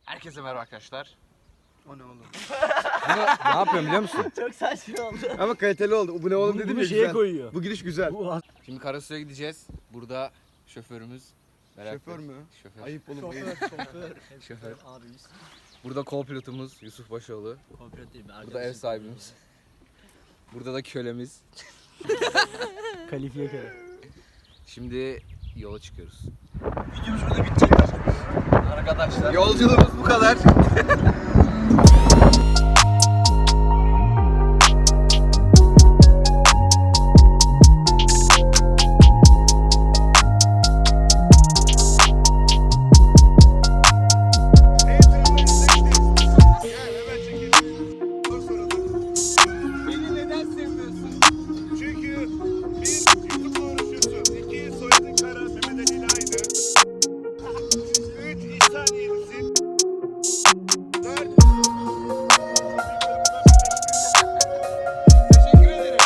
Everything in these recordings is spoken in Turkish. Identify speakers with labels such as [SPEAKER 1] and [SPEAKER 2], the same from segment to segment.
[SPEAKER 1] Herkese merhaba arkadaşlar.
[SPEAKER 2] O ne oğlum?
[SPEAKER 1] Bunu ne yapıyorum biliyor musun?
[SPEAKER 3] Çok saçma oldu.
[SPEAKER 2] Ama kaliteli oldu. Bu ne oğlum dedim ya
[SPEAKER 3] şeye
[SPEAKER 2] güzel.
[SPEAKER 3] koyuyor.
[SPEAKER 2] Bu giriş güzel.
[SPEAKER 1] Şimdi Karasu'ya gideceğiz. Burada şoförümüz. Berat
[SPEAKER 2] Şoför
[SPEAKER 1] Bey.
[SPEAKER 2] mü?
[SPEAKER 1] Şoför.
[SPEAKER 2] Ayıp oğlum.
[SPEAKER 1] Şoför.
[SPEAKER 3] Abimiz.
[SPEAKER 1] Burada co-pilotumuz Yusuf Başoğlu.
[SPEAKER 3] Kooperatif.
[SPEAKER 1] Burada ev sahibimiz. Burada da kölemiz.
[SPEAKER 3] Kalifiye kere.
[SPEAKER 1] Şimdi yola çıkıyoruz.
[SPEAKER 2] Videomuz burada bitecek arkadaşlar.
[SPEAKER 1] Yolculuğumuz bu kadar. Beni neden sevmiyorsun?
[SPEAKER 4] Çünkü bir YouTube'la uğraşıyorsun. İki soyadın Kara Mehmet Ali ile aynı. Üç İhsan Yenisin. Dört
[SPEAKER 1] Teşekkür ederim.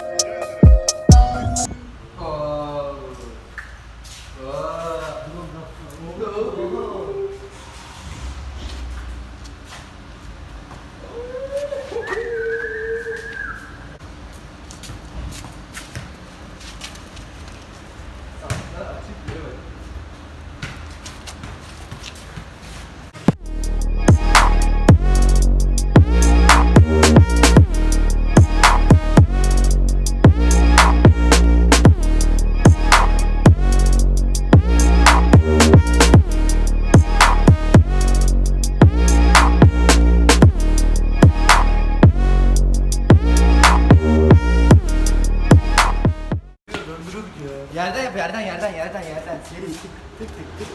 [SPEAKER 3] Yerden yap, yerden. Seri tık tık tık tık.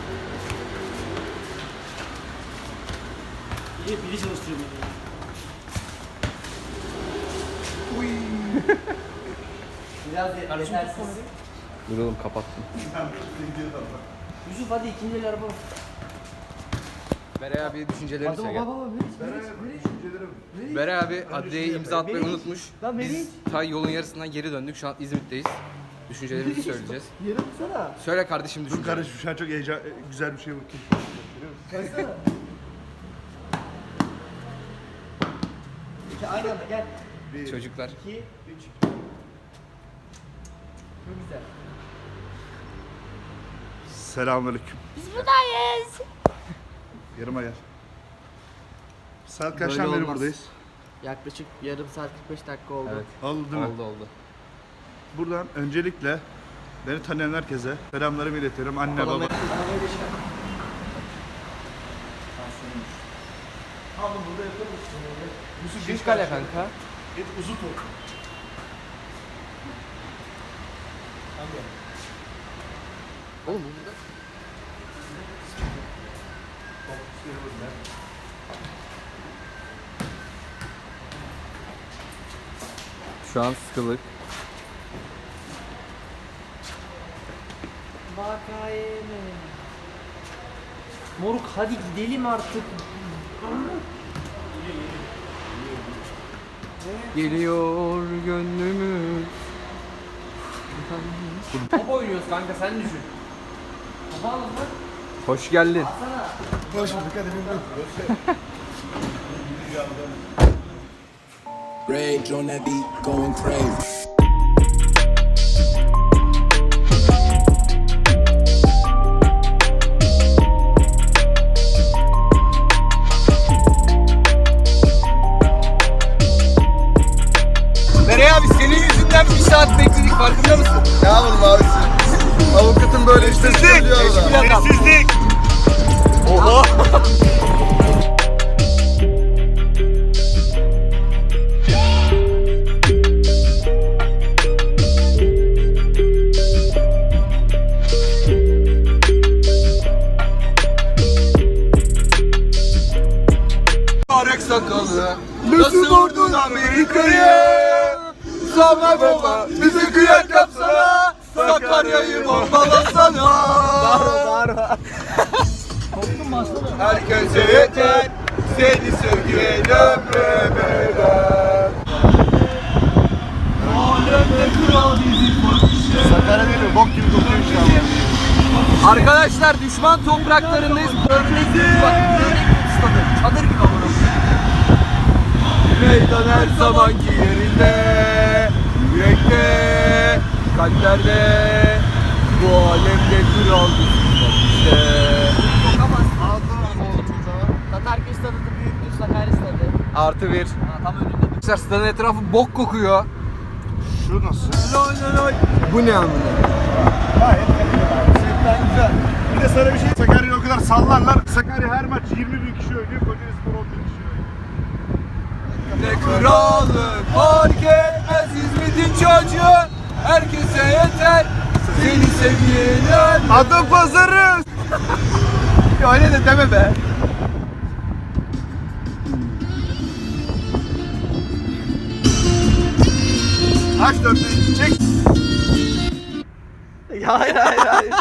[SPEAKER 3] Biri çalıştırıyor beni. Biraz yetersiz.
[SPEAKER 1] Dur oğlum kapattım.
[SPEAKER 3] Yusuf hadi ikinci el araba.
[SPEAKER 1] Beray abi düşüncelerini söyle.
[SPEAKER 3] Baba
[SPEAKER 1] Beray abi adliyeye imza atmayı unutmuş.
[SPEAKER 3] Lan Meriç.
[SPEAKER 1] Biz ta yolun yarısından geri döndük. Şu an İzmit'teyiz. Düşüncelerimizi söyleyeceğiz.
[SPEAKER 3] Yarım sana.
[SPEAKER 1] Söyle kardeşim
[SPEAKER 4] Dur
[SPEAKER 1] düşüncelerini.
[SPEAKER 4] kardeşim şu an çok güzel bir şey bakayım.
[SPEAKER 3] Kaçsana. İki aynı anda gel.
[SPEAKER 1] Çocuklar.
[SPEAKER 3] 2 3. Çok güzel.
[SPEAKER 4] Selamünaleyküm.
[SPEAKER 5] Biz buradayız.
[SPEAKER 4] Yarıma gel. Saat
[SPEAKER 1] Böyle
[SPEAKER 4] kaçtan beri
[SPEAKER 1] olmaz.
[SPEAKER 4] buradayız?
[SPEAKER 3] Yaklaşık yarım saat 45 dakika oldu.
[SPEAKER 1] Evet.
[SPEAKER 4] Oldu değil mi?
[SPEAKER 1] Oldu.
[SPEAKER 4] Buradan öncelikle beni tanıyan herkese selamlarımı iletiyorum. Anne baba.
[SPEAKER 3] Oğlum burada yaparız.
[SPEAKER 4] Yusuf
[SPEAKER 1] Şiş kale kanka.
[SPEAKER 4] Git uzun top.
[SPEAKER 1] Oğlum burada. Şu an sıkılık.
[SPEAKER 3] Vakayeme. Moruk hadi gidelim artık.
[SPEAKER 1] Geliyor gönlümüz.
[SPEAKER 3] Top oynuyoruz kanka sen düşün. Topu alın bak.
[SPEAKER 1] Hoş geldin.
[SPEAKER 4] Hoş bulduk hadi
[SPEAKER 6] Rage on that beat, going crazy.
[SPEAKER 1] Beray abi senin yüzünden bir saat bekledik farkında mısın?
[SPEAKER 2] Ne yapalım abisi? Avukatın böyle işte söylüyor da.
[SPEAKER 4] Sessizlik.
[SPEAKER 1] Oha.
[SPEAKER 2] Arek sakalı. Nasıl vurdun Amerika'yı? Sama baba bizi kıyak yapsana. Sakarya'yı bombalasana.
[SPEAKER 3] Darma.
[SPEAKER 2] Herkese yeter. Seni sevgiyle ömremeden. Sakarya değil mi? Bok gibi kokuyor şu an.
[SPEAKER 1] Arkadaşlar düşman topraklarındayız. Örnek
[SPEAKER 3] stadı. Çadır gibi ama.
[SPEAKER 2] Meydan her zamanki yerinde, yürekte, kalplerde, bu alemde kraldır işte.
[SPEAKER 3] Tatarköy stadı da büyüktür, Sakarya stadı.
[SPEAKER 1] Artı 1.
[SPEAKER 3] Tam önünde.
[SPEAKER 1] Arkadaşlar stadın etrafı bok kokuyor.
[SPEAKER 4] Şu nasıl?
[SPEAKER 2] Bu ne amına?
[SPEAKER 4] Gayet kaliteli. Setler güzel. Bir de sana bir şey, Sakarya'yı o kadar sallarlar. Sakarya her maç 20 bin kişi oynuyor. Kocaeli Spor 10 bin kişi oynuyor.
[SPEAKER 2] Ne kralı fark etmez İzmit'in çocuğu. Herkese yeter seni sevgiler.
[SPEAKER 4] Adı pazarı.
[SPEAKER 2] Ya öyle de deme be.
[SPEAKER 4] Aç dörtlüğü çek.
[SPEAKER 2] Hayır.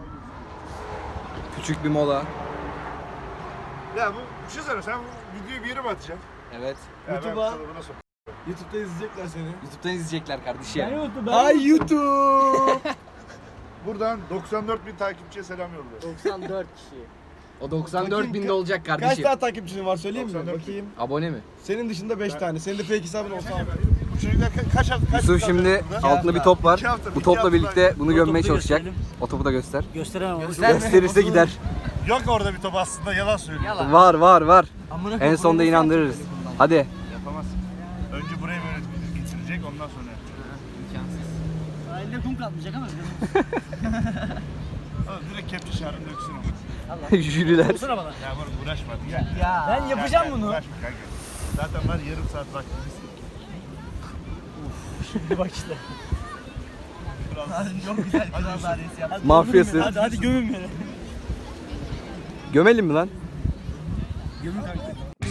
[SPEAKER 1] Küçük bir mola.
[SPEAKER 4] Ya bu bir şey söyle, sen bu videoyu bir yere mi atacaksın?
[SPEAKER 1] Evet.
[SPEAKER 2] YouTube'a.
[SPEAKER 4] Nasıl?
[SPEAKER 2] YouTube'da izleyecekler seni.
[SPEAKER 1] YouTube'dan izleyecekler kardeşim.
[SPEAKER 2] Ay YouTube.
[SPEAKER 4] Buradan 94 bin takipçiye selam yolluyor.
[SPEAKER 3] 94 kişi.
[SPEAKER 1] O 94 binde olacak
[SPEAKER 2] Kaç
[SPEAKER 1] kardeşim.
[SPEAKER 2] tane takipçin var söyleyeyim mi?
[SPEAKER 4] 94.
[SPEAKER 2] Bakayım.
[SPEAKER 1] Abone mi?
[SPEAKER 2] Senin dışında 5 tane. Senin de fake hesabın olsa al.
[SPEAKER 4] Bu çocuklar kaç
[SPEAKER 1] Yusuf şimdi altında bir top var.
[SPEAKER 4] 2 hafta,
[SPEAKER 1] Bu
[SPEAKER 4] 2
[SPEAKER 1] topla
[SPEAKER 4] hafta
[SPEAKER 1] birlikte
[SPEAKER 4] daha-
[SPEAKER 1] bunu gömmeye çalışacak. O topu da göster.
[SPEAKER 3] Gösteremem.
[SPEAKER 1] Gösterirse gider.
[SPEAKER 4] Yok orada bir top aslında, yalan söylüyor.
[SPEAKER 3] Yalan.
[SPEAKER 1] Var.
[SPEAKER 3] Amına
[SPEAKER 1] En
[SPEAKER 3] koyayım,
[SPEAKER 1] sonunda
[SPEAKER 3] bunu
[SPEAKER 1] inandırırız.
[SPEAKER 3] nasıl yapacağız bundan?
[SPEAKER 1] Hadi.
[SPEAKER 4] Yapamaz. Önce buraya böyle getirecek, ondan sonra yapacak.
[SPEAKER 3] Sahilde kum kalmayacak ama.
[SPEAKER 4] Oğlum direkt kepçe şarjını döksün ama.
[SPEAKER 1] Jüriler.
[SPEAKER 3] Olsana bana.
[SPEAKER 4] Ya moruk uğraşma hadi gel.
[SPEAKER 3] Ya. Ben yapacağım
[SPEAKER 4] Gel,
[SPEAKER 3] bunu.
[SPEAKER 4] Uğraşma kanka. Zaten var yarım saat vaktimiz.
[SPEAKER 3] Şimdi bak işte. Çok güzel kral dairesi yaptın.
[SPEAKER 1] Mafyası.
[SPEAKER 3] Hadi gömün beni.
[SPEAKER 1] Gömelim mi lan?
[SPEAKER 3] Gömün kanka.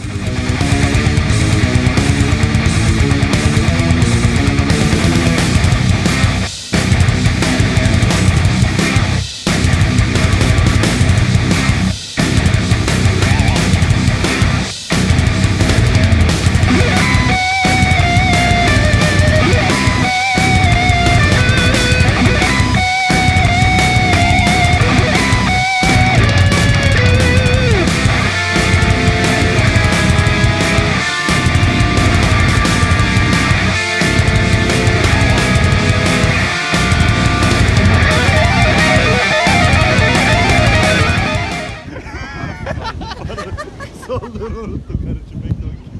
[SPEAKER 4] Sonları unuttum karıcığım, bekle bakayım.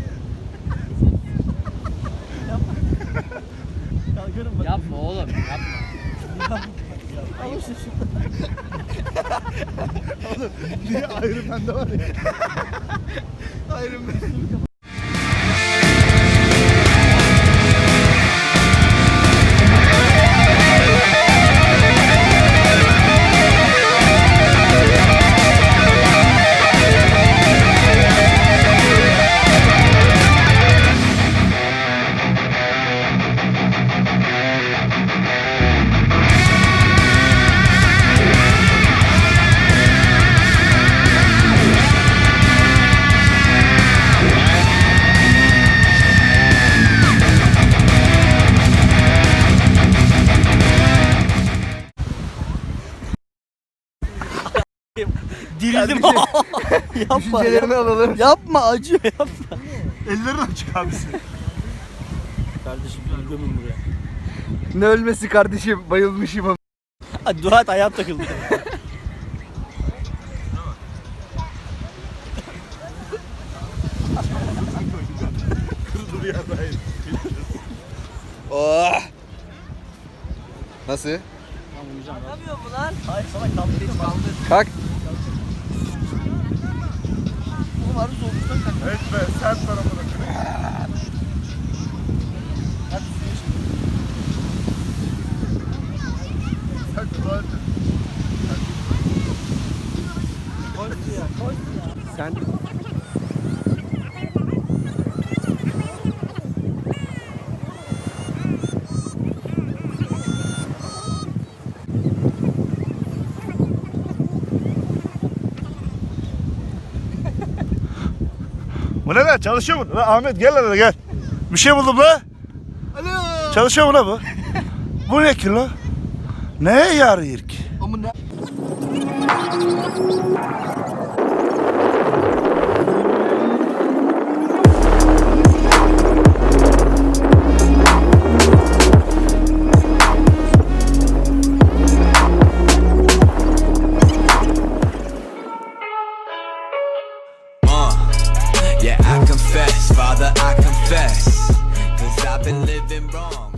[SPEAKER 3] Yapma oğlum yapma.
[SPEAKER 4] Niye ayrı bende var ya.
[SPEAKER 3] Dirildim. Yapma.
[SPEAKER 1] Düşüncelerini alalım.
[SPEAKER 3] Yapma acıyor yapma.
[SPEAKER 4] Ellerini açık abisi.
[SPEAKER 3] Kardeşim beni gömün buraya.
[SPEAKER 1] Ne ölmesi kardeşim, bayılmışım ama.
[SPEAKER 3] Hadi dua et ayağım takıldı.
[SPEAKER 4] Kırıldı ya da hayır.
[SPEAKER 1] Oh. Nasıl?
[SPEAKER 3] Anlamıyor mu lan? Hayır sana kaldırayım kaldır.
[SPEAKER 1] Kalk.
[SPEAKER 3] Oğlum harbi soğuktan kalk.
[SPEAKER 4] Evet be, sen tarafına kırık.
[SPEAKER 3] Hadi suya şimdi.
[SPEAKER 4] Sen tuvalet.
[SPEAKER 3] Koy suya koy suya.
[SPEAKER 1] Sen
[SPEAKER 4] Bu ne lan? Çalışıyor mu? Lan Ahmet gel lan gel. Bir şey buldum la.
[SPEAKER 2] Alo.
[SPEAKER 4] Çalışıyor mu la bu? Bu ne ki la? Neye yarıyor ki?
[SPEAKER 2] Amına.
[SPEAKER 6] Yeah, I confess, Father, I confess, 'cause I've been living wrong.